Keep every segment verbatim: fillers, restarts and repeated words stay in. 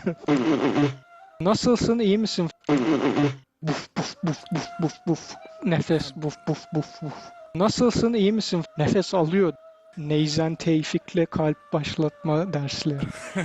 Nasılsın, iyi misin? Buf buf buf buf buf buf. Nefes buf buf buf buf. Nasılsın, iyi misin? Nefes alıyor. Neyzen Tevfik'le kalp başlatma dersleri.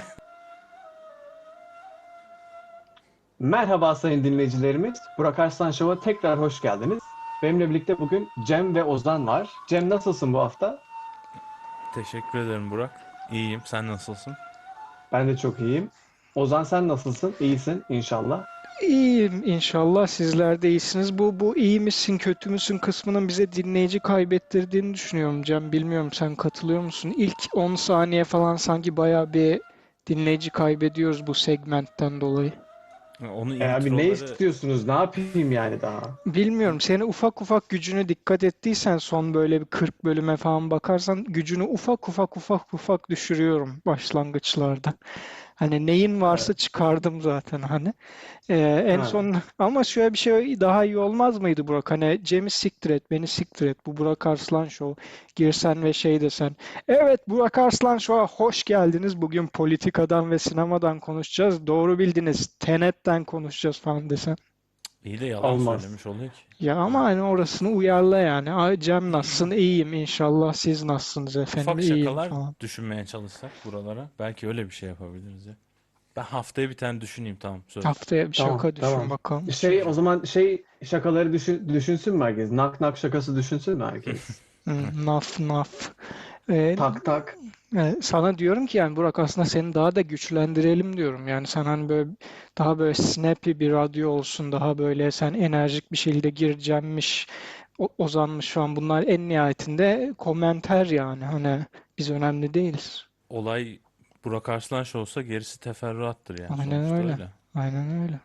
Merhaba sayın dinleyicilerimiz. Burak Arslan Show'a tekrar hoş geldiniz. Benimle birlikte bugün Cem ve Ozan var. Cem nasılsın bu hafta? Teşekkür ederim Burak. İyiyim. Sen nasılsın? Ben de çok iyiyim. Ozan sen nasılsın? İyisin inşallah. İyiyim inşallah, sizler de iyisiniz. Bu bu iyi misin kötü müsün kısmının bize dinleyici kaybettirdiğini düşünüyorum Cem. Bilmiyorum, sen katılıyor musun? İlk on saniye falan sanki bayağı bir dinleyici kaybediyoruz bu segmentten dolayı. Onu E abi ne introları istiyorsunuz? Ne yapayım yani daha? Bilmiyorum, seni ufak ufak gücüne dikkat ettiysen son böyle bir kırk bölüme falan bakarsan gücünü ufak ufak ufak ufak düşürüyorum başlangıçlarda. Hani neyin varsa Evet. çıkardım zaten hani. Ee, en Ha. son ama şöyle bir şey daha iyi olmaz mıydı Burak? Hani Cem'i siktir et, beni siktir et. Bu Burak Arslan Show. Girsen ve şey desen. Evet, Burak Arslan Show'a hoş geldiniz. Bugün politikadan ve sinemadan konuşacağız. Doğru bildiniz. Tenet'ten konuşacağız falan desen. iyi de yalan Olmaz. söylemiş oluyor ki. Ya ama Yani hani orasını uyarla yani. Ay Cem nasılsın? İyiyim inşallah. Siz nasılsınız efendim? ufak İyiyim şakalar falan. düşünmeye çalışsak buralara. Belki öyle bir şey yapabiliriz ya. Ben haftaya bir tane düşüneyim, tamam, söz. Haftaya bir Tamam, şaka düşün tamam. bakalım. Şey o zaman şey şakaları düşün, düşünsün mü herkes? Nak nak şakası düşünsün mü herkes? Hmm, naf naf. Ee, Tak tak. e, sana diyorum ki yani Burak, aslında seni daha da güçlendirelim diyorum. Yani sen hani böyle daha böyle snappy bir radyo olsun. Daha böyle sen enerjik bir şekilde gireceğimmiş. O, Ozanmış falan. Bunlar en nihayetinde komenter yani. Hani biz önemli değiliz. Olay Burak Arslanş olsa gerisi teferruattır yani, Aynen sonuçta öyle. öyle. Aynen öyle.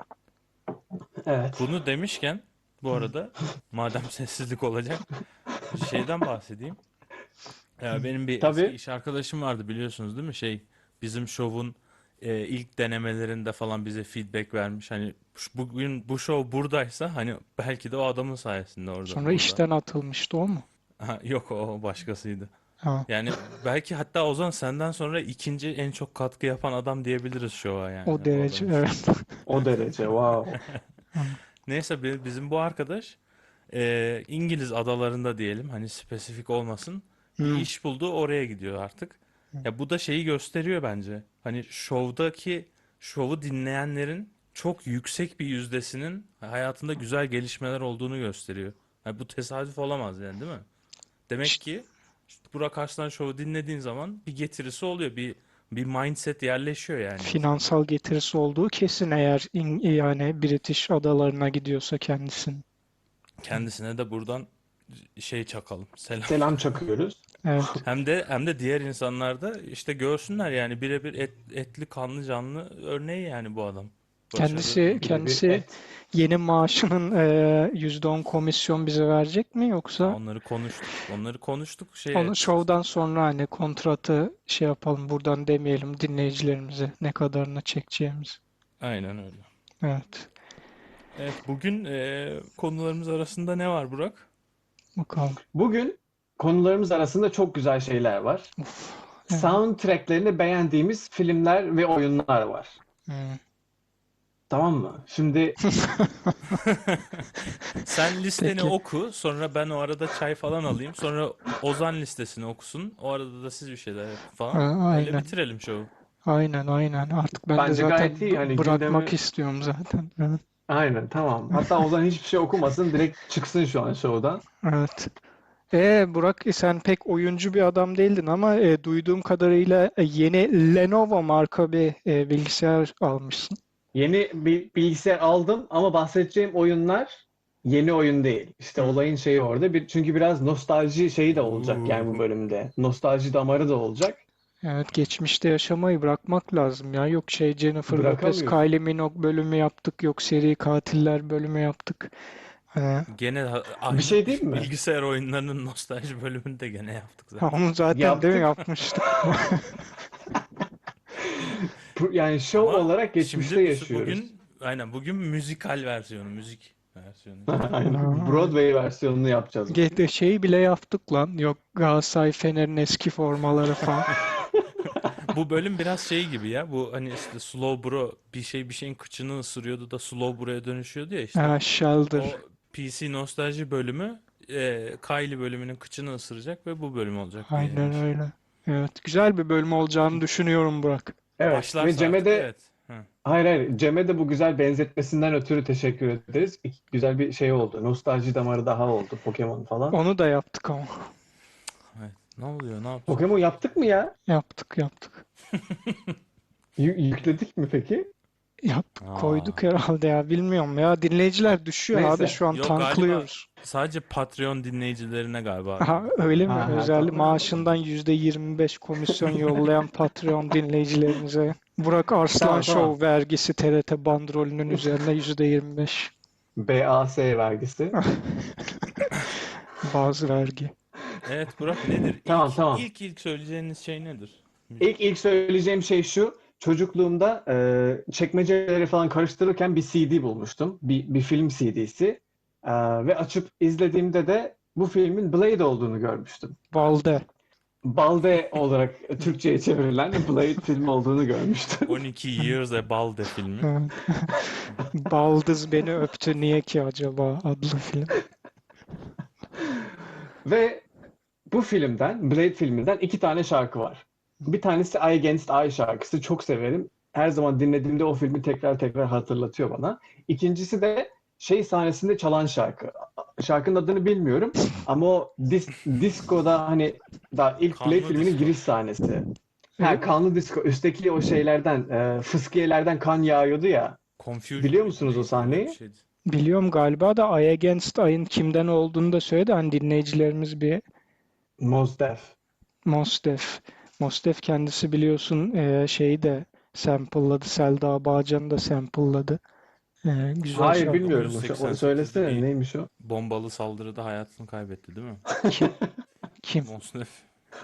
Evet. Bunu demişken bu Hı, arada, madem sessizlik olacak, şeyden bahsedeyim. Ya benim bir eski Tabii. iş arkadaşım vardı, biliyorsunuz değil mi? Şey, bizim şovun e, ilk denemelerinde falan bize feedback vermiş. Hani şu- bugün bu şov buradaysa hani belki de o adamın sayesinde orada sonra burada. işten atılmıştı o mu? Aha, yok, o başkasıydı. Ha, Yani belki hatta Ozan senden sonra ikinci en çok katkı yapan adam diyebiliriz şova o yani o derece adam için. evet. O derece. Wow. Hı, Neyse, bi- bizim bu arkadaş e, İngiliz adalarında diyelim, hani spesifik olmasın, bir hı, iş buldu, oraya gidiyor artık. hı. Ya bu da şeyi gösteriyor bence. Hani şovdaki şovu dinleyenlerin çok yüksek bir yüzdesinin hayatında güzel gelişmeler olduğunu gösteriyor. Ha, bu tesadüf olamaz yani, değil mi? Demek İşte ki işte Burak Arslan Show'u dinlediğin zaman bir getirisi oluyor. Bir bir mindset yerleşiyor yani insanda. finansal getirisi olduğu kesin, eğer in- yani British adalarına gidiyorsa kendisinin. Kendisine de buradan şey çakalım. Selam. Selam çakıyoruz. Evet. Hem de hem de diğer insanlar da işte görsünler yani, birebir et, etli kanlı canlı örneği yani bu adam. Kendisi Başarı. Birebir kendisi et. yeni maaşının eee, yüzde on komisyon bize verecek mi, Ha, yoksa onları konuştuk. Onları konuştuk. Şey onu şovdan sonra hani kontratı şey yapalım, buradan demeyelim dinleyicilerimize ne kadarını çekeceğimiz. aynen öyle. Evet. Evet, bugün e, konularımız arasında ne var Burak? Bakalım. Bugün konularımız arasında çok güzel şeyler var. Uf. Evet. Soundtracklerini beğendiğimiz filmler ve oyunlar var. Hmm. Tamam mı? Şimdi Sen listeni Peki. oku, sonra ben o arada çay falan alayım. Sonra Ozan listesini okusun. O arada da siz bir şeyler yapın Ha, falan. Öyle aynen. bitirelim şovu. Aynen aynen. Artık ben de bence zaten gayet iyi. Hani b- bırakmak gündemi istiyorum zaten. Evet. aynen tamam. Hatta Ozan hiçbir şey okumasın. Direkt çıksın şu an show'dan. Evet. E Burak, e, sen pek oyuncu bir adam değildin ama e, duyduğum kadarıyla e, yeni Lenovo marka bir e, bilgisayar almışsın. Yeni bir bilgisayar aldım ama bahsedeceğim oyunlar yeni oyun değil. İşte Hmm. olayın şeyi orada. Bir, çünkü biraz nostalji şeyi de olacak yani bu Uuu. bölümde. Nostalji damarı da olacak. Evet, geçmişte yaşamayı bırakmak lazım ya. Yok şey Jennifer Lopez, Bırakamıyorsun. Kylie Minogue bölümü yaptık. Yok seri katiller bölümü yaptık. Hani, Gene ha- Bir aynı şey diyeyim mi? bilgisayar oyunlarının nostalji bölümünü de gene yaptık ha, zaten. onu zaten değil mi Yaptık. yapmıştık. Yani show Ama olarak geçmişte şimdi bu yaşıyoruz. bugün aynen bugün müzikal versiyonu, müzik versiyonu işte. Aynen. Aa, Broadway versiyonunu yapacağız ge- bunun. de şeyi bile yaptık lan. Yok Galatasaray Fener'in eski formaları falan. Bu bölüm biraz şey gibi ya. Bu hani işte Slow Bro bir şey bir şeyin kıçını ısırıyordu da Slow Bro'ya dönüşüyordu ya işte. Ha, Shelder. O P C nostalji bölümü e, Kylie bölümünün kıçını ısıracak ve bu bölüm olacak diye Aynen yani. öyle. Evet, güzel bir bölüm olacağını düşünüyorum Burak. Evet ve Başlarsa Cem'e artık de evet. Hı. hayır hayır Cem'e de bu güzel benzetmesinden ötürü teşekkür ederiz. Güzel bir şey oldu. Nostalji damarı daha oldu Pokemon falan. Onu da yaptık ama. Evet. Ne oluyor? Ne yapacağız? Pokemon yaptık mı ya? Yaptık yaptık. Yü- yükledik mi peki? Yaptık Aa. koyduk herhalde ya, bilmiyorum ya. A- Dinleyiciler düşüyor abi, Neyse. şu an Yok galiba tanklıyoruz. sadece Patreon dinleyicilerine galiba Aha, öyle mi? Ha ha Özel tamam. maaşından yüzde yirmi beş komisyon yollayan Patreon dinleyicilerimize. Burak Arslan Tamam tamam. Show vergisi T R T bandrolünün üzerine yüzde yirmi beş. B A S vergisi. Bazı vergi. Evet Burak nedir? İlk Tamam tamam. ilk ilk söyleyeceğiniz şey nedir? İlk Müzik. ilk söyleyeceğim şey şu. Çocukluğumda e, çekmeceleri falan karıştırırken bir C D bulmuştum. Bir, bir film C D'si. E, ve açıp izlediğimde de bu filmin Blade olduğunu görmüştüm. Balde. Balde olarak Türkçe'ye çevrilen Blade filmi olduğunu görmüştüm. on iki Years a Balde filmi. Evet. Baldız beni öptü niye ki acaba adlı film. Ve bu filmden, Blade filminden iki tane şarkı var. Bir tanesi Eye Against Eye şarkısı. Çok severim. Her zaman dinlediğimde o filmi tekrar tekrar hatırlatıyor bana. İkincisi de şey sahnesinde çalan şarkı. Şarkının adını bilmiyorum ama o dis disco'da hani daha ilk Blade Kanlı filminin Disco. giriş sahnesi. E, Ha, kanlı disco. Üstteki o şeylerden, e, fıskiyelerden kan yağıyordu ya. Confusion Biliyor mıydı musunuz o neydi öyle bir sahneyi? şeydi. Biliyorum galiba da Eye Against Eye'ın kimden olduğunu da söyledi. Hani dinleyicilerimiz bir Mos Def. Mos Def. Mos Def kendisi biliyorsun e, şeyi de sample'ladı. Selda Bağcan'ı da sample'ladı. E, güzel Hayır şarkı. bilmiyorum. O, o- bin dokuz yüz seksen sekizde söylesene bir neymiş o? bombalı saldırıda hayatını kaybetti değil mi? Kim? Kim? Mos Def.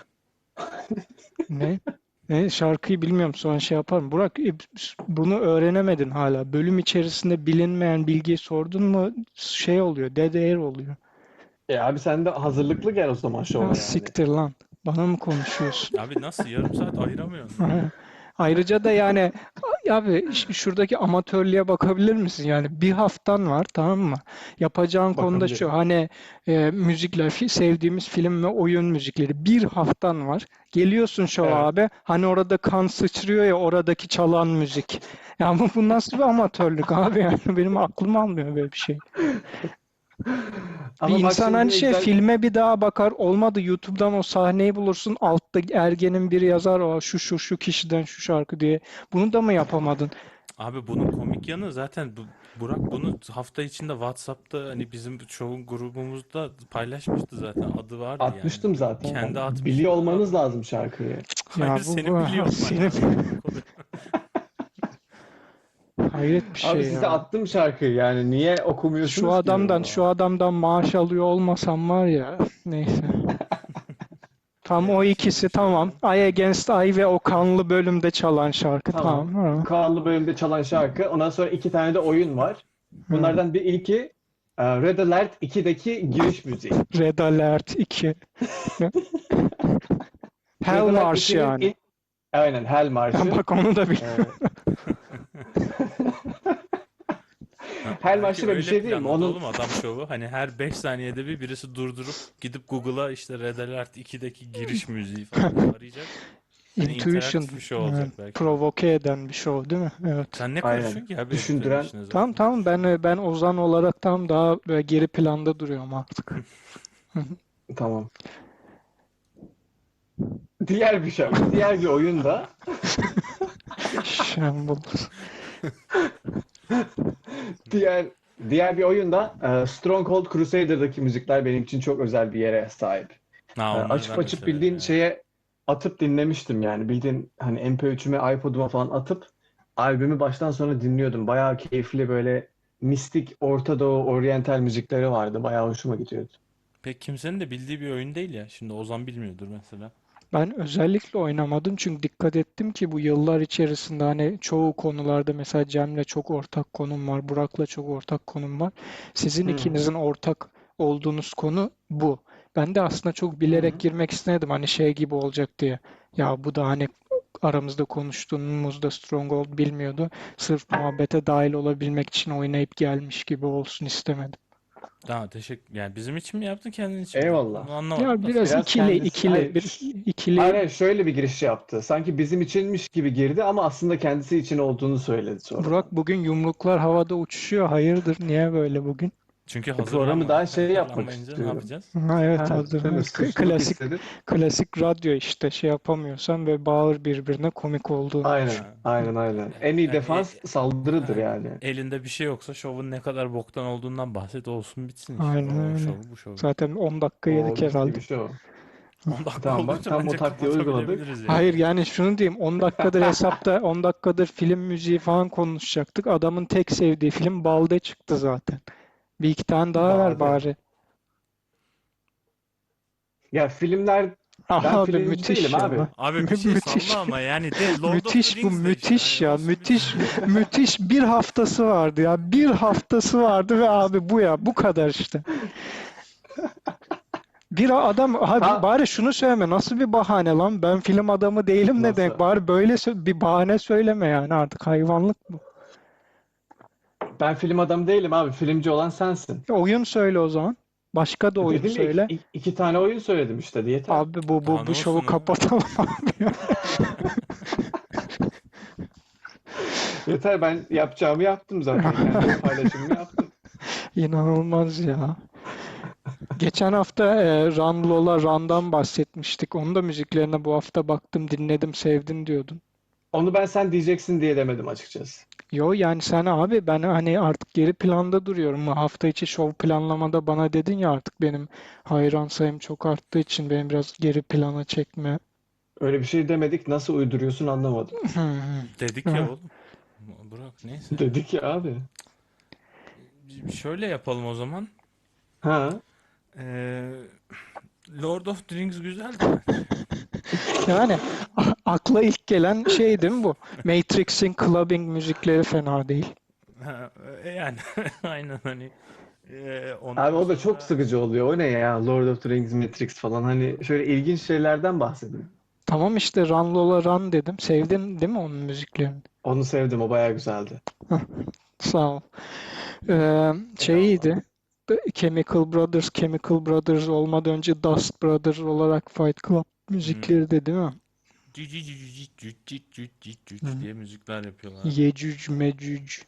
Ne? Ne? Şarkıyı bilmiyorum, sonra şey yaparım. Burak, e, bunu öğrenemedin hala. Bölüm içerisinde bilinmeyen bilgiyi sordun mu şey oluyor. Dead air oluyor. E abi sen de hazırlıklı gel o zaman Ha, şova yani. siktir lan. Bana mı konuşuyorsun? Abi nasıl yarım saat ayıramıyorsun ya? Ayrıca da yani abi ş- şuradaki amatörlüğe bakabilir misin? Yani bir haftan var, tamam mı? Yapacağın konu da şu, Bakabilirim. hani e, müzikler, fi- sevdiğimiz film ve oyun müzikleri. Bir haftan var. Geliyorsun şova Evet. abi. Hani orada kan sıçrıyor ya, oradaki çalan müzik. Ya bu, bu nasıl bir amatörlük abi? Yani benim aklım almıyor böyle bir şey. Bir Ama bak insan şimdi hani ne şey, güzel filme bir daha bakar, olmadı YouTube'dan o sahneyi bulursun, altta ergenin biri yazar, o şu şu şu kişiden şu şarkı diye. Bunu da mı yapamadın? Abi bunun komik yanı zaten bu, Burak bunu hafta içinde WhatsApp'ta hani bizim çoğu grubumuzda paylaşmıştı zaten. Adı vardı yani. atmıştım zaten. Kendi Biliyor atmıştı. olmanız Adam lazım şarkıyı. hayır Ya bu, senin bu biliyor olman senin lazım Burak oluyor. hayret bir Abi şey size ya. attım şarkıyı yani niye Şu okumuyorsunuz ki adamdan yoruma? şu adamdan maaş alıyor olmasam var ya, neyse. Tam o Evet şimdi ikisi tamam. şöyle. Eye Hı. Against Eye ve o kanlı bölümde çalan şarkı, Tamam. tamam. Ha. Kaan'lı bölümde çalan şarkı. Ondan sonra iki tane de oyun var. Ha. Bunlardan bir ilki e, Red Alert ikideki giriş müziği. Red Alert iki. Red Hell Alert Marş ikinin yani. ilk aynen Hell Ya Marşı. bak, onu da E, biliyorum. Ha, Hell belki Marşı da bir öyle şey değil mi? planladı Onun oğlum adam şovu. Hani her beş saniyede bir birisi durdurup gidip Google'a işte Red Alert ikideki giriş müziği falan diye arayacak. Hani Intuition, interaktif bir şey evet, olacak belki de. provoke eden bir show değil mi? Evet. Sen ne aynen karışıyorsun ki abi editörün düşündüren. işine Tamam zaten? tamam, ben ben Ozan olarak tam daha böyle geri planda duruyorum artık. Tamam. Diğer bir şey, diğer bir oyunda Shambles. diğer diğer bir oyunda e, Stronghold Crusader'daki müzikler benim için çok özel bir yere sahip. E, Ha onları açıp ben de açıp severim bildiğin evet. şeye atıp dinlemiştim yani. Bildiğin hani M P üçüme, iPod'uma falan atıp albümü baştan sona dinliyordum. Bayağı keyifli böyle mistik Orta Doğu, oryantal müzikleri vardı. Bayağı hoşuma gidiyordu. Pek kimsenin de bildiği bir oyun değil ya. Şimdi Ozan bilmiyordur mesela. Ben özellikle oynamadım çünkü dikkat ettim ki bu yıllar içerisinde hani çoğu konularda mesela Cem'le çok ortak konum var, Burak'la çok ortak konum var. Sizin Hı hı. ikinizin ortak olduğunuz konu bu. Ben de aslında çok Hı bilerek hı. girmek istemedim hani şey gibi olacak diye. Ya bu da hani aramızda konuştuğumuzda Stronghold bilmiyordu. Sırf muhabbete dahil olabilmek için oynayıp gelmiş gibi olsun istemedim. Daha teşekkür. Yani bizim için mi yaptın, kendin için mi yaptın? Eyvallah. Onu anlamadım Ya da sen. biraz Biraz ikili kendisi ikili hayır, bir ş- hayır, ikili hayır, şöyle bir giriş yaptı. Sanki bizim içinmiş gibi girdi ama aslında kendisi için olduğunu söyledi Burak sonradan. bugün yumruklar havada uçuşuyor. Hayırdır? Niye böyle bugün? Çünkü E, programı hazırlanma daha şey yapmak hazırlanmayınca ne istiyorum. yapacağız? Ha, evet Ha, hazır. değil mi? Evet, k- Suçluluk klasik hissedip. klasik radyo işte şey yapamıyorsan ve bağır birbirine komik olduğunu Aynen, düşün. Ha. aynen, aynen. Yani, En iyi yani e- defans saldırıdır aynen. yani. Elinde bir şey yoksa şovun ne kadar boktan olduğundan bahset, olsun bitsin işte. Aynen O öyle. şovu bu şovu. Zaten on dakika yedik O mis herhalde. gibi şey o. on dakika Tamam bak, olduysa tam o bence taktiği uyguladık. kapatabilebiliriz yani. Hayır yani şunu diyeyim on dakikadır hesapta on dakikadır film müziği falan konuşacaktık. Adamın tek sevdiği film Balde çıktı zaten. Bir iki tane daha ver Bade. bari. Ya filmler, ben Abi filmci değilim müthiş abi. ya. Abi bir Mü- şey salla müthiş. ama yani de Lord of the Müthiş bu Rings de işte. müthiş Hani ya. olsun bitsin Müthiş yani. müthiş bir haftası vardı ya. Bir haftası vardı ve abi bu ya bu kadar işte. Bir adam abi Ha, bari şunu söyleme nasıl bir bahane lan ben film adamı değilim ne demek nasıl? bari böyle sö- bir bahane söyleme yani artık hayvanlık bu. Ben film adamı değilim abi. Filmci olan sensin. E, oyun söyle o zaman. Başka da oyun Dedim ya iki, söyle. iki- iki tane oyun söyledim işte, yeter. Abi bu Daha bu ne bu şovu olsun oğlum? kapatalım abi ya. Yeter, ben yapacağımı yaptım zaten. Kendi paylaşımımı yaptım. İnanılmaz ya. Geçen hafta e, Run Lola Run'dan bahsetmiştik. Onun da müziklerine bu hafta baktım, dinledim, sevdim diyordun. Onu ben sen diyeceksin diye demedim açıkçası. Yo yani sen abi ben hani artık geri planda duruyorum. Hafta içi şov planlamada bana dedin ya artık benim hayran sayım çok arttığı için benim biraz geri plana çekme. Öyle bir şey demedik. Nasıl uyduruyorsun anlamadım. Dedik ya oğlum. Burak neyse. Dedik ya abi. Bir- Şöyle yapalım o zaman. Ha. Ee, Lord of the Rings güzeldi bence. Yani a- akla ilk gelen şey değil mi bu? Matrix'in clubbing müzikleri fena değil. Ha, e, yani aynen hani e, Abi ondan o da çok sonra sıkıcı oluyor. O ne ya? Lord of the Rings, Matrix falan. Hani şöyle ilginç şeylerden bahsedin. Tamam işte Run Lola Run dedim. Sevdin değil mi onun müziklerini? Onu sevdim. O bayağı güzeldi. Hah, sağ ol. Ee, şey Eyvallah. iyiydi. Chemical Brothers, Chemical Brothers olmadan önce Dust Brothers olarak Fight Club hmm, müzikleri de değil mi? cü- cü- cü- cü- cü- cü- cü- cü- cü- Hı. cü diye müzikler yapıyorlardı. Yecüc Mecüc.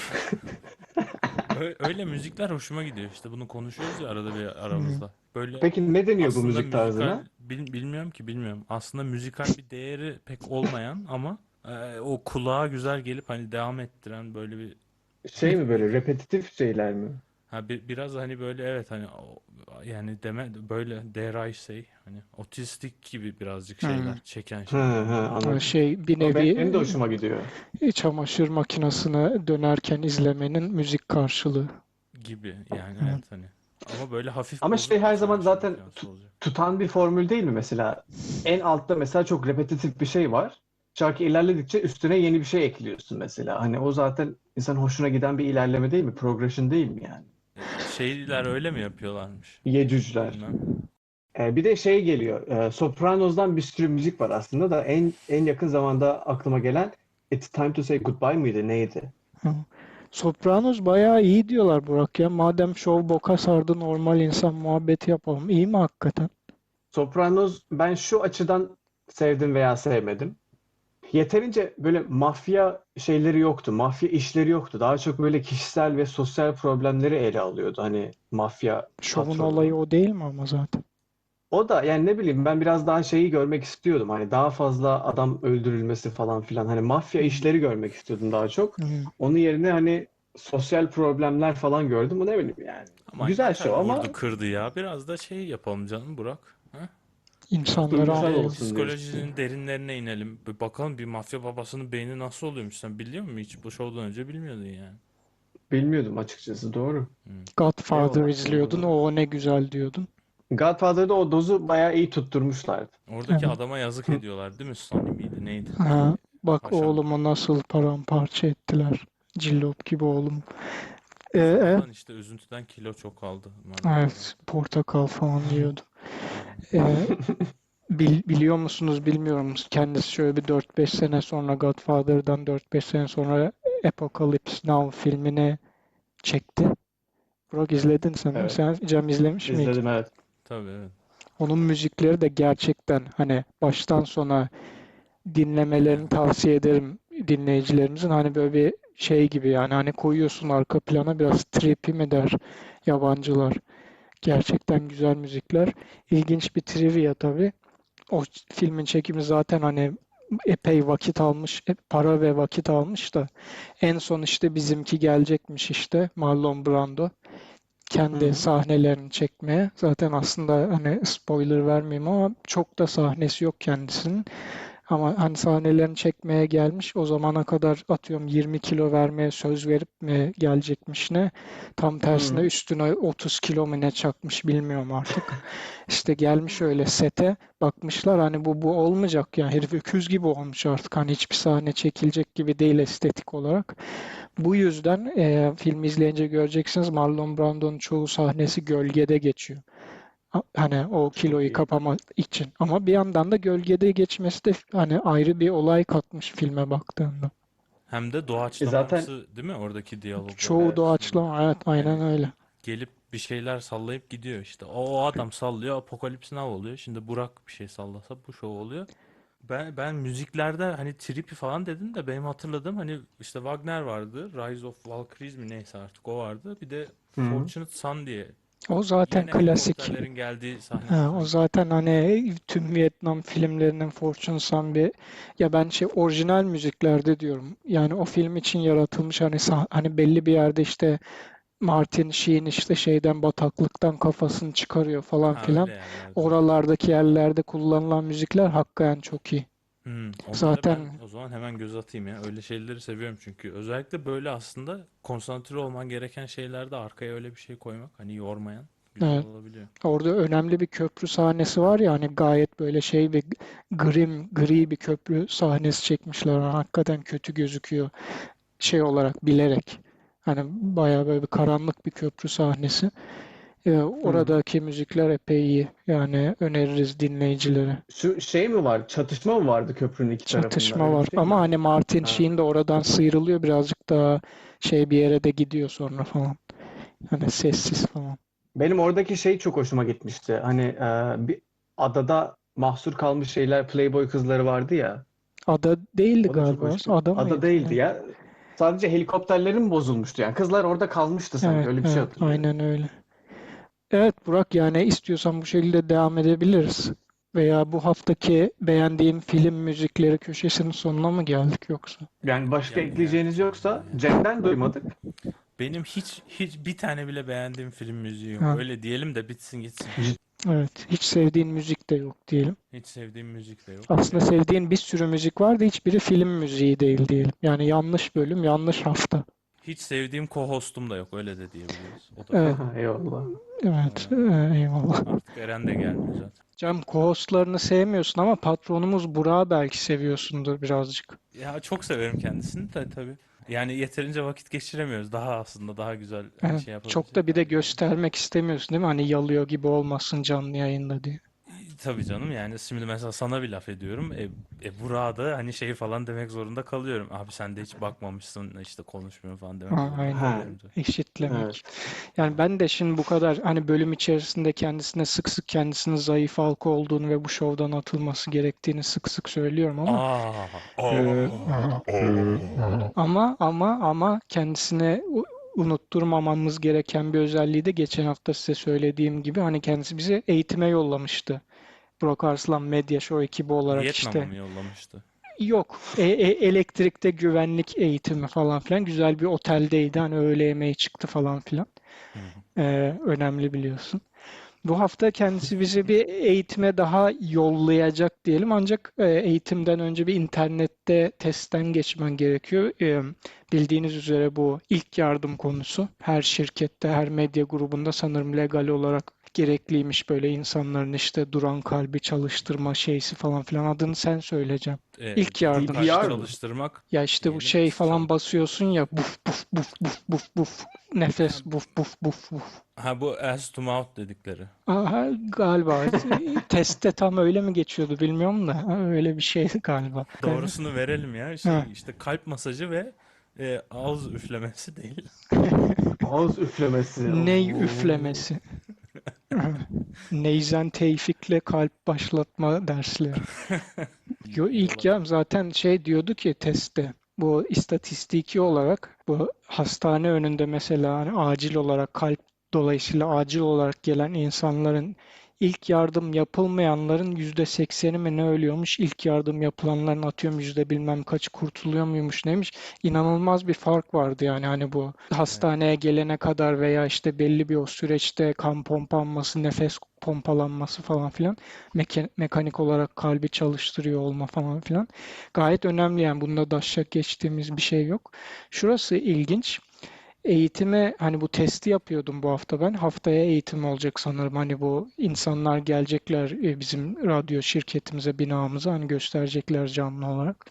Ö- Öyle müzikler hoşuma gidiyor işte, bunu konuşuyoruz ya arada bir Hı. aramızda. Böyle Peki ne deniyor bu aslında müzik müzikal tarzına? bil- bilmiyorum ki bilmiyorum. Aslında müzikal bir değeri pek olmayan ama e, o kulağa güzel gelip hani devam ettiren böyle bir Şey mi, ne böyle diyeyim? repetitif şeyler mi? Ha bir, biraz hani böyle evet hani o- yani deme böyle dare I say hani otistik gibi birazcık Hı. şeyler, çeken Hı şeyler hı, anladın mı? O anladım. şey bir O be- nevi benim de hoşuma gidiyor. e, çamaşır makinesine dönerken izlemenin müzik karşılığı. Gibi yani Hı. evet hani. Ama böyle hafif Ama şey bozuk bir her zaman çamaşır zaten makinesi tut- olacak. tutan bir formül değil mi mesela? En altta mesela çok repetitif bir şey var. Şarkı ilerledikçe üstüne yeni bir şey ekliyorsun mesela. Hani o zaten insan hoşuna giden bir ilerleme değil mi? Progression değil mi yani? E, şeyler öyle mi yapıyorlarmış? Yecücler. Bilmem. Ee, bir de şey geliyor. E, Sopranos'dan bir sürü müzik var aslında da en en yakın zamanda aklıma gelen It's Time to Say Goodbye mıydı? Neydi? Hı. Sopranos bayağı iyi diyorlar Burak ya. Madem şov boka sardı normal insan muhabbeti yapalım. İyi mi hakikaten? Sopranos ben şu açıdan sevdim veya sevmedim. Yeterince böyle mafya şeyleri yoktu. Mafya işleri yoktu. Daha çok böyle kişisel ve sosyal problemleri ele alıyordu. Hani mafya Şovun olayı patronu. o değil mi ama zaten? O da yani ne bileyim ben biraz daha şeyi görmek istiyordum. Hani daha fazla adam öldürülmesi falan filan. Hani mafya Hı. işleri görmek istiyordum daha çok. Hı. Onun yerine hani sosyal problemler falan gördüm. Bu ne bileyim yani. Ama Güzel yeter show ama vurdu kırdı ya. Biraz da şey yapalım canım Burak. Ha? Biraz da İnsanları duygusal böyle anlayalım. olsun diyorsun. psikolojinin derinlerine inelim. Bir bakalım bir mafya babasının beyni nasıl oluyormuş. Sen biliyor musun hiç? Bu şovdan önce bilmiyordun yani. Bilmiyordum açıkçası. Doğru. Hmm. Godfather Eyvallah. izliyordun, Eyvallah. o ne güzel diyordun. Godfather'da o dozu bayağı iyi tutturmuşlardı. Oradaki Evet. adama yazık ediyorlar değil mi? Sonny miydi neydi? Ha, bak Paşam. oğlumu nasıl paramparça ettiler. Cillop gibi oğlum. Ee, e, Sonradan işte üzüntüden kilo çok aldı maalesef. evet, portakal falan yiyordu. Aynen. Ee, bil- biliyor musunuz bilmiyorum. Kendisi şöyle bir dört beş sene sonra Godfather'dan dört beş sene sonra Apocalypse Now filmini çekti. Burak izledin sanırım. Evet. Sen Cem izlemiş miydin? İzledim, evet. Tabii, evet. Onun müzikleri de gerçekten hani baştan sona dinlemelerini tavsiye ederim dinleyicilerimizin. Hani böyle bir şey gibi yani hani koyuyorsun arka plana biraz trippy mi der yabancılar. Gerçekten güzel müzikler. İlginç bir trivia tabii. O filmin çekimi zaten hani epey vakit almış, e, para ve vakit almış da en son işte bizimki gelecekmiş işte Marlon Brando Hı kendi hı. sahnelerini çekmeye. Zaten aslında hani spoiler vermeyeyim ama çok da sahnesi yok kendisinin. Ama hani sahnelerini çekmeye gelmiş. O zamana kadar atıyorum yirmi kilo vermeye söz verip mi gelecekmiş ne? Tam Hı tersine hı. üstüne otuz kilo mu ne çakmış bilmiyorum artık. İşte gelmiş öyle sete bakmışlar hani bu bu olmayacak yani herif öküz gibi olmuş artık hani hiçbir sahne çekilecek gibi değil estetik olarak. Bu yüzden e, filmi izleyince göreceksiniz Marlon Brando'nun çoğu sahnesi gölgede geçiyor. Ha- Hani o Çok kiloyu iyi. kapamak için. Ama bir yandan da gölgede geçmesi de hani ayrı bir olay katmış filme baktığında. Hem de E zaten doğaçlamamsı değil mi oradaki diyalogların Çoğu evet. arasında da. doğaçlama evet aynen Yani öyle. gelip bir şeyler sallayıp gidiyor işte. O, o adam sallıyor, Apokalips Now oluyor. Şimdi Burak bir şey sallasa bu şov oluyor. Ben ben müziklerde hani trippy falan dedin de benim hatırladığım hani işte Wagner vardı. Rise of Valkyries mi neyse artık o vardı. Bir de Hı hı. Fortunate Son diye. O zaten Yine klasik. helikopterlerin geldiği sahnedir Ha, o sanki. zaten hani tüm Vietnam filmlerinin Fortune Son bir ya ben şey orijinal müziklerde diyorum. Yani o film için yaratılmış hani sah- hani belli bir yerde işte Martin Sheen işte şeyden bataklıktan kafasını çıkarıyor falan Ha öyle filan. yerlerde. Oralardaki yerlerde kullanılan müzikler hakikaten çok iyi. Hmm, onlara ben Zaten o zaman hemen göz atayım ya. Öyle şeyleri seviyorum çünkü. Özellikle böyle aslında konsantre olman gereken şeylerde arkaya öyle bir şey koymak hani yormayan güzel evet, olabiliyor. orada önemli bir köprü sahnesi var ya hani gayet böyle şey bir grim gri bir köprü sahnesi çekmişler. Yani hakikaten kötü gözüküyor şey olarak bilerek. Hani bayağı böyle bir karanlık bir köprü sahnesi. Ee, Hı hı. oradaki müzikler epey iyi. Yani öneririz dinleyicilere. Şu şey mi var? Çatışma mı vardı köprünün iki tarafında? Çatışma Öyle bir var. şey Ama miydi? hani Martin Ha. Sheen de oradan sıyrılıyor birazcık daha şey bir yere de gidiyor sonra falan. Hani sessiz falan. Benim oradaki şey çok hoşuma gitmişti. Hani e, bir adada mahsur kalmış şeyler, Playboy kızları vardı ya. Ada değildi O da çok galiba. hoştu. Ada Ada mıydı? değildi Ne? ya. Sadece helikopterlerin bozulmuştu yani. Kızlar orada kalmıştı sanki. Evet, Öyle bir şey evet, hatırlıyorum. aynen öyle. Evet Burak yani istiyorsan bu şekilde devam edebiliriz. Veya bu haftaki beğendiğim film müzikleri köşesinin sonuna mı geldik yoksa? Yani başka Gel geldik ekleyeceğiniz ya yoksa vallahi ya. Cem'den duymadık. Benim hiç hiç bir tane bile beğendiğim film müziği yok. Ha, Öyle diyelim de bitsin gitsin. evet, hiç sevdiğin müzik de yok diyelim. Hiç sevdiğim müzik de yok. Aslında Öyle sevdiğin bir sürü müzik var da hiçbiri film müziği değil diyelim. Yani yanlış bölüm, yanlış hafta. hiç sevdiğim co-hostum da yok. Öyle de diyebiliriz. O da var. Evet, Eyvallah. evet, Ee, e, eyvallah. artık Eren de gelmiyor zaten. Cem, co-hostlarını sevmiyorsun ama patronumuz Burak'ı belki seviyorsundur birazcık. Ya çok severim kendisini de tabii. Yani yeterince vakit geçiremiyoruz. Daha aslında daha güzel hani Evet, şey çok da yapabilecek bir de halde. göstermek istemiyorsun değil mi? Hani yalıyor gibi olmasın canlı yayında diye. Tabii canım yani şimdi mesela sana bir laf ediyorum. E, e Burak'a da hani şey falan demek zorunda kalıyorum. Abi sen de hiç bakmamışsın işte konuşmuyorsun falan demek Ha, zorunda aynen. Ha, kalıyorum tabii. Eşitlemek. evet. Yani ben de şimdi bu kadar hani bölüm içerisinde kendisine sık sık kendisinin zayıf halka olduğunu ve bu şovdan atılması gerektiğini sık sık söylüyorum ama Aa, Ee, aa, aha. aa. ama ama ama kendisine u- unutturmamamız gereken bir özelliği de geçen hafta size söylediğim gibi hani kendisi bizi eğitime yollamıştı. Burak Arslan Medya Show ekibi olarak Vietnam'a işte mı yollamıştı? yok e- e- elektrikte güvenlik eğitimi falan filan güzel bir oteldeydi hani öğle yemeği çıktı falan filan. Hı hı. Ee, önemli biliyorsun. Bu hafta kendisi bizi bir eğitime daha yollayacak diyelim. Ancak e, eğitimden önce bir internette testten geçmen gerekiyor. E, bildiğiniz üzere bu ilk yardım konusu. Her şirkette, her medya grubunda sanırım legal olarak gerekliymiş böyle insanların işte duran kalbi çalıştırma şeysi falan filan, adını sen söyleyeceğim. E, İlk duran yardım kalbi işte. C P R mı? çalıştırmak Ya işte bu diyelim şey çalış. falan basıyorsun ya, buf buf buf buf buf buf, Ha, nefes buf buf buf buf. ha bu ass to mouth dedikleri. Aha, galiba testte tam öyle mi geçiyordu bilmiyorum da, ha, öyle bir şeydi galiba. Doğrusunu verelim ya. Ha. Şey işte kalp masajı ve e, ağız üflemesi değil. Ağız üflemesi. Ney Oo. üflemesi. Neyzen Tevfik'le kalp başlatma dersleri. Yo, ilk Olabilir. ya zaten şey diyordu ki testte, bu istatistiki olarak bu hastane önünde mesela hani acil olarak kalp dolayısıyla acil olarak gelen insanların, ilk yardım yapılmayanların yüzde sekseni mi ne ölüyormuş, ilk yardım yapılanların atıyorum yüzde bilmem kaçı kurtuluyor muymuş neymiş, inanılmaz bir fark vardı yani hani bu Evet. hastaneye gelene kadar veya işte belli bir o süreçte kan pompanması, nefes pompalanması falan filan, meka- mekanik olarak kalbi çalıştırıyor olma falan filan. Gayet önemli yani, bunda daşşak geçtiğimiz bir şey yok. Şurası ilginç. Eğitime hani bu testi yapıyordum bu hafta ben. Haftaya eğitim olacak sanırım. Hani bu insanlar gelecekler e, bizim radyo şirketimize, binamıza, hani gösterecekler canlı olarak.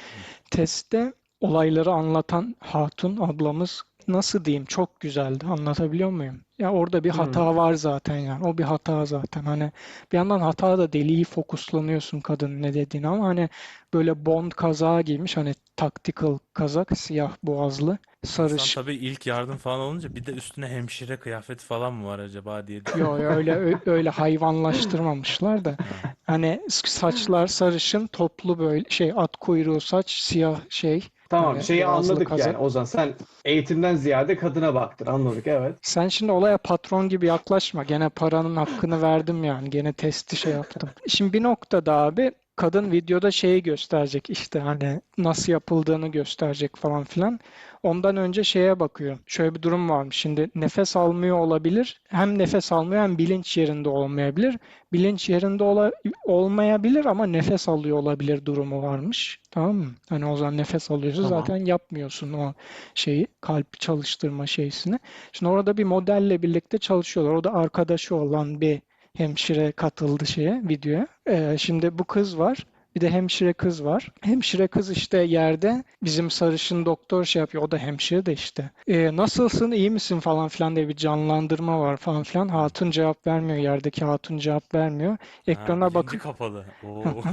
Testte olayları anlatan hatun ablamız, nasıl diyeyim, çok güzeldi. Anlatabiliyor muyum? Ya orada bir Hmm. hata var zaten yani. O bir hata zaten. Hani bir yandan hata da değil, iyi fokuslanıyorsun kadının ne dediğini, ama hani böyle Bond kazağı giymiş, hani tactical kazak, siyah boğazlı, İnsan sarış. tabii ilk yardım falan olunca bir de üstüne hemşire kıyafeti falan mı var acaba diye Yo, düşünüyor. yo, öyle ö- öyle hayvanlaştırmamışlar da. Ha. Hani saçlar sarışın, toplu böyle şey, at kuyruğu saç, siyah şey, Tamam, böyle şeyi boğazlı anladık yani. kazak. Ozan, sen eğitimden ziyade kadına baktın. Anladık, evet. Sen şimdi olaya patron gibi yaklaşma. Gene paranın hakkını verdim yani. Gene testi şey yaptım. Şimdi bir noktada abi kadın videoda şeyi gösterecek, işte hani nasıl yapıldığını gösterecek falan filan. Ondan önce şeye bakıyor. Şöyle bir durum varmış. Şimdi nefes almıyor olabilir. Hem nefes almıyor hem bilinç yerinde olmayabilir. Bilinç yerinde ola- olmayabilir ama nefes alıyor olabilir durumu varmış. Tamam mı? Hani o zaman nefes alıyorsa Tamam. zaten yapmıyorsun o şeyi, kalp çalıştırma şeysini. Şimdi orada bir modelle birlikte çalışıyorlar. O da arkadaşı olan bir hemşire katıldı şeye, videoya. Ee, şimdi bu kız var. Bir de hemşire kız var. Hemşire kız işte yerde, bizim sarışın doktor şey yapıyor. O da hemşire de işte. Ee, nasılsın, iyi misin falan filan diye bir canlandırma var falan filan. Hatun cevap vermiyor. Yerdeki hatun cevap vermiyor. Ha, Ekrana bilinci bakıp kapalı. Oo.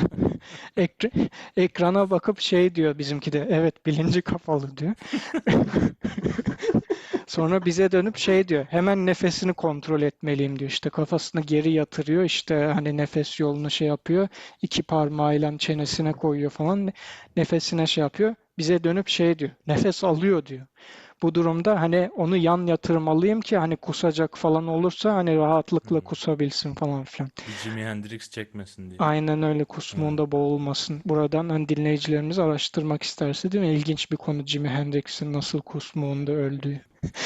Ekra- ekrana bakıp şey diyor bizimki de. Evet, bilinci kapalı diyor. Sonra bize dönüp şey diyor. Hemen nefesini kontrol etmeliyim diyor. İşte kafasını geri yatırıyor. İşte hani nefes yolunu şey yapıyor. İki parmağıyla çenesine koyuyor falan. Nefesine şey yapıyor. Bize dönüp şey diyor. Nefes alıyor diyor. Bu durumda hani onu yan yatırmalıyım ki hani kusacak falan olursa hani rahatlıkla Hmm. kusabilsin falan filan. Bir Jimi Hendrix çekmesin diye. Aynen öyle, Ha. kusmuğunda boğulmasın. Buradan hani dinleyicilerimiz araştırmak isterse, değil mi? İlginç bir konu, Jimi Hendrix'in nasıl kusmuğunda öldüğü.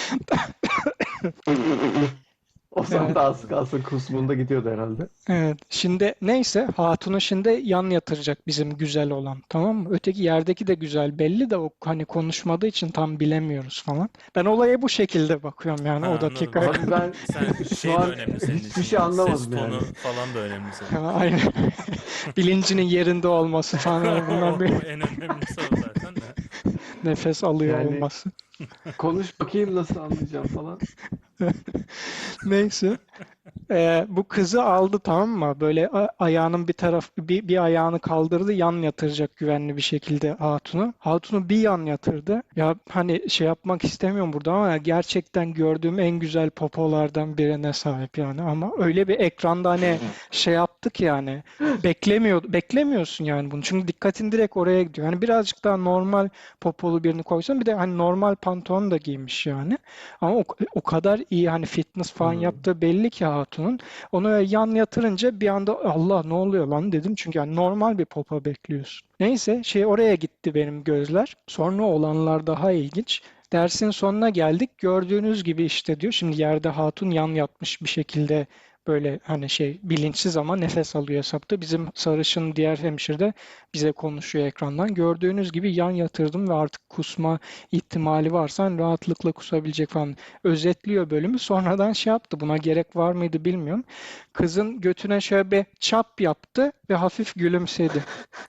Ozan Evet. da az kalsın kusmunda gidiyordu herhalde. Evet. Şimdi neyse, hatunu şimdi yan yatıracak bizim güzel olan, tamam mı? Öteki yerdeki de güzel belli de, o hani konuşmadığı için tam bilemiyoruz falan. Ben olaya bu şekilde bakıyorum yani Ha, o anladım. dakikaya Abi kadar. Sen ben sen şu şey de an önemli senin hiçbir için şey yani. Ses anlamadım yani. tonu falan da önemli senin için. Aynen. Bilincinin yerinde olması falan, bunlar O, bir o en önemlisi o zaten de. nefes alıyor Yani olması. konuş bakayım nasıl anlayacağım falan. Neyse. Ee, bu kızı aldı, tamam mı? Böyle a- ayağının bir taraf bir, bir ayağını kaldırdı, yan yatıracak güvenli bir şekilde hatunu. Hatunu bir yan yatırdı. Ya hani şey yapmak istemiyorum burada ama gerçekten gördüğüm en güzel popolardan birine sahip yani. Ama öyle bir ekranda hani şey yaptık yani. Beklemiyor, beklemiyorsun yani bunu. Çünkü dikkatin direkt oraya gidiyor. Hani birazcık daha normal popolu birini koysan, bir de hani normal pantolon da giymiş yani. Ama o, o kadar iyi hani fitness falan Hmm. yaptığı belli ki hatunun. Onu öyle yan yatırınca bir anda Allah ne oluyor lan dedim. Çünkü yani normal bir popa bekliyorsun. Neyse şey, oraya gitti benim gözler. Sonra olanlar daha ilginç. Dersin sonuna geldik. Gördüğünüz gibi işte diyor. Şimdi yerde hatun yan yatmış bir şekilde Böyle hani şey bilinçsiz ama nefes alıyor hesapta. Bizim sarışın diğer hemşire de bize konuşuyor ekrandan. Gördüğünüz gibi yan yatırdım ve artık kusma ihtimali varsa hani rahatlıkla kusabilecek falan. Özetliyor bölümü. Sonradan şey yaptı. Buna gerek var mıydı bilmiyorum. Kızın götüne şöyle bir çap yaptı ve hafif gülümsedi.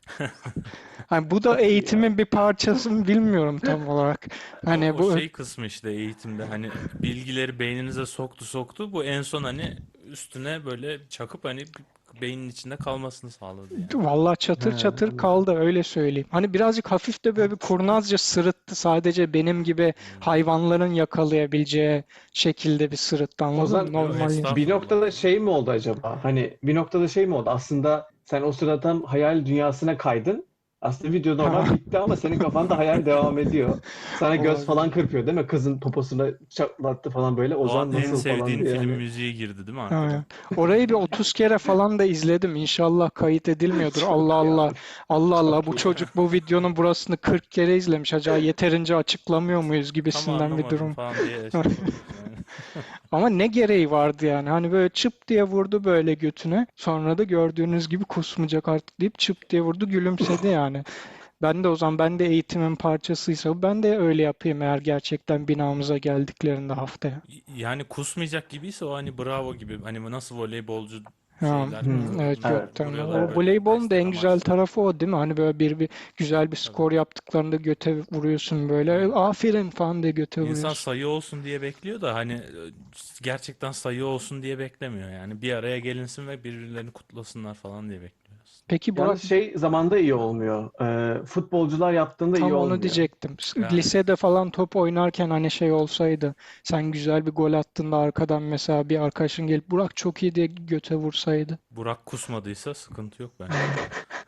Hani bu da Çok iyi ya. eğitimin bir parçası mı bilmiyorum tam olarak. O, Hani o bu şey kısmı işte eğitimde hani bilgileri beyninize soktu soktu bu en son hani üstüne böyle çakıp hani beynin içinde kalmasını sağladı yani. vallahi He, çatır çatır anladım. kaldı öyle söyleyeyim. Hani birazcık hafif de böyle bir kurnazca sırıttı. Sadece benim gibi Hmm. hayvanların yakalayabileceği şekilde bir sırıttı O anladın mı? zaman Yo, Normal insan. bir estağfurullah noktada ya. şey mi oldu acaba? Hani bir noktada şey mi oldu? Aslında sen o sırada tam hayal dünyasına kaydın. Aslında video normal Ha, bitti ama senin kafanda hayal devam ediyor. Sana göz olabilir. falan kırpıyor değil mi? Kızın poposuna çatlattı falan böyle. O an Ozan en nasıl falan sevdiğin diye film hani. müziği girdi değil mi arkadan? Aynen. Orayı bir otuz kere falan da izledim. İnşallah kayıt edilmiyordur. Allah Çok iyi Allah. abi. Allah Allah Çok bu iyi. çocuk bu videonun burasını kırk kere izlemiş. Acaba yeterince açıklamıyor muyuz Tam gibisinden bir anlamadım durum. falan diye şey yapabilirsin yani. Ama ne gereği vardı yani? Hani böyle çıp diye vurdu böyle götüne. Sonra da gördüğünüz gibi kusmayacak artık deyip çıp diye vurdu gülümsedi yani. Ben de o zaman ben de eğitimin parçasıysa ben de öyle yapayım eğer gerçekten binamıza geldiklerinde haftaya. Yani kusmayacak gibiyse o hani bravo gibi hani nasıl voleybolcu Ha, şeyler hmm, Hmm, vü- evet vücut evet. gökten. O vuruyorlar Evet. böyle voleybolun da destek en güzel amaçlı. tarafı o değil mi? Hani böyle bir, bir güzel bir Tabii. skor yaptıklarında göte vuruyorsun böyle. Aynen. Aferin falan diye göte İnsan vuruyorsun. sayı olsun diye bekliyor da hani e, gerçekten sayı olsun diye beklemiyor yani. Bir araya gelinsin ve birbirlerini kutlasınlar falan diye bekliyoruz. Peki Burak, Yalnız şey zamanda iyi olmuyor. Ee, futbolcular yaptığında iyi tam onu olmuyor. diyecektim. S- Yani Lisede falan top oynarken hani şey olsaydı, sen güzel bir gol attığında arkadan mesela bir arkadaşın gelip Burak çok iyi diye göte vursaydı. Burak kusmadıysa sıkıntı yok bence. Aynen.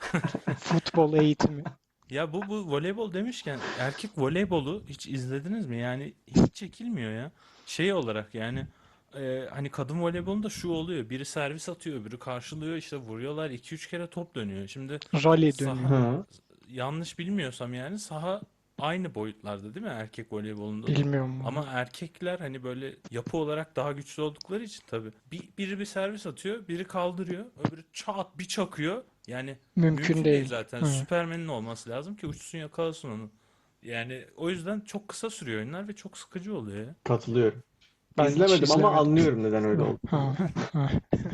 Futbol eğitimi. Ya bu bu voleybol demişken erkek voleybolu hiç izlediniz mi? Yani hiç çekilmiyor ya. Şey olarak yani e, hani kadın voleybolunda şu oluyor. Biri servis atıyor, öbürü karşılıyor, işte vuruyorlar, iki üç kere top dönüyor. Şimdi Rally dönüyor. saha Hı. yanlış bilmiyorsam yani saha aynı boyutlarda değil mi erkek voleybolunda da? Bilmiyorum Ama valla. erkekler hani böyle yapı olarak daha güçlü oldukları için tabii. Bir, biri bir servis atıyor, biri kaldırıyor, öbürü çat bir çakıyor. Yani Mümkün mümkün değil değil. zaten. Evet. Süpermen'in olması lazım ki uçsun yakalasın onu. Yani o yüzden çok kısa sürüyor oyunlar ve çok sıkıcı oluyor ya. Katılıyorum. Ben hiç İzlemedim ama izlemedim. anlıyorum neden öyle Ha, olduğunu. ha, ha.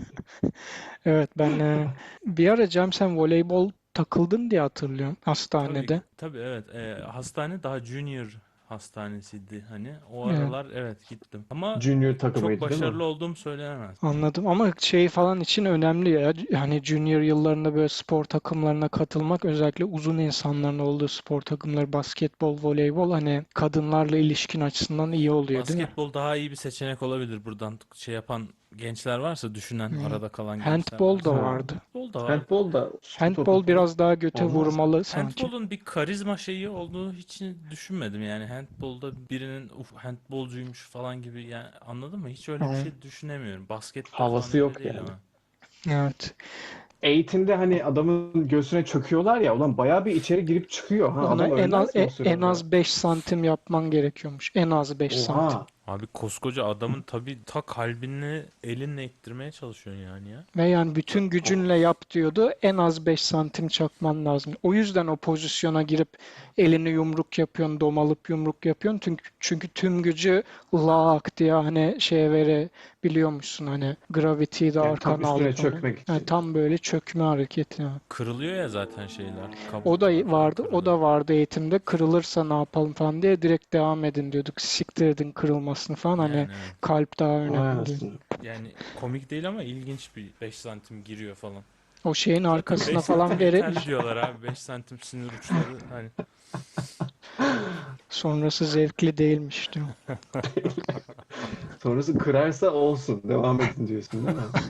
Evet ben e, bir ara Cem sen voleybol takıldın diye hatırlıyorum Tabii hastanede. tabii evet. Ee, hastane daha junior hastanesiydi hani. O Evet. aralar evet gittim. Ama Junior çok takımıydı değil mi? başarılı olduğum söylenemez. Anladım ama şey falan için önemli ya. Hani junior yıllarında böyle spor takımlarına katılmak özellikle uzun insanların olduğu spor takımları basketbol, voleybol hani kadınlarla ilişkin açısından iyi oluyor değil mi? Basketbol daha iyi bir seçenek olabilir buradan şey yapan gençler varsa düşünen Hmm. arada kalan gençler Handball da varsa. Ha. vardı. Futbol da var. Handball da su topu Handball falan biraz daha göte olmaz mı? vurmalı sanki. Handball'un bir karizma şeyi olduğunu hiç düşünmedim yani handball'da birinin uf handbolcuymuş falan gibi yani anladın mı? Hiç öyle bir Ama, şey düşünemiyorum. Baskette falan Havası öyle yok değil yani. ama. evet. Eğitimde hani adamın göğsüne çöküyorlar ya ulan bayağı bir içeri girip çıkıyor ha. Ona Adam en az ölmez mi o e- en sırada? az beş santim yapman gerekiyormuş. En az beş santim. Oha. Abi koskoca adamın tabii ta kalbini elinle ittirmeye çalışıyorsun yani ya. Ve yani Da- bütün gücünle Of. yap diyordu. En az beş santim çakman lazım. O yüzden o pozisyona girip elini yumruk yapıyorsun, domalıp yumruk yapıyorsun. Çünkü, çünkü tüm gücü lak diye hani şeye verebiliyormuşsun. Hani gravity'yi de Yani tam arkana üstüne alıp onu. çökmek Yani için. tam böyle çökme hareketi. Yani. Kırılıyor ya zaten şeyler. O da Kabuklar falan vardı, o kırılıyor. da vardı eğitimde. Kırılırsa ne yapalım falan diye direkt devam edin diyorduk. Siktir edin kırılmasını falan. Hani Yani evet. kalp daha Vay önemli diye. anasını. Yani komik değil ama ilginç bir beş santim giriyor falan. O şeyin Zaten beş arkasına falan santim vere yeterli diyorlar abi. Beş santim sinir uçları hani sonrası zevkli değilmiş diyor. Sonrası kırarsa olsun. Devam edin diyorsun değil mi?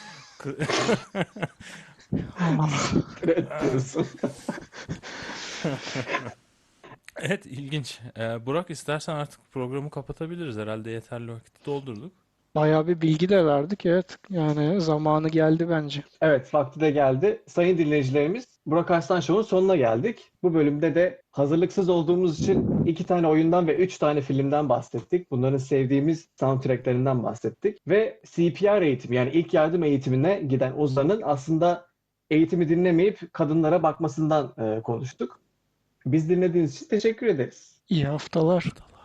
Allah. Siktir et diyorsun. Evet ilginç. Ee, Burak istersen artık programı kapatabiliriz. Herhalde yeterli vakit doldurduk. Bayağı bir bilgi de verdik. Evet. Yani zamanı geldi bence. Evet, vakti de geldi. Sayın dinleyicilerimiz, Burak Arslan Show'un sonuna geldik. Bu bölümde de hazırlıksız olduğumuz için iki tane oyundan ve üç tane filmden bahsettik. Bunların sevdiğimiz soundtracklerinden bahsettik. Ve C P R eğitimi, yani ilk yardım eğitimine giden Ozan'ın aslında eğitimi dinlemeyip kadınlara bakmasından e, konuştuk. Biz dinlediğiniz için teşekkür ederiz. İyi haftalar.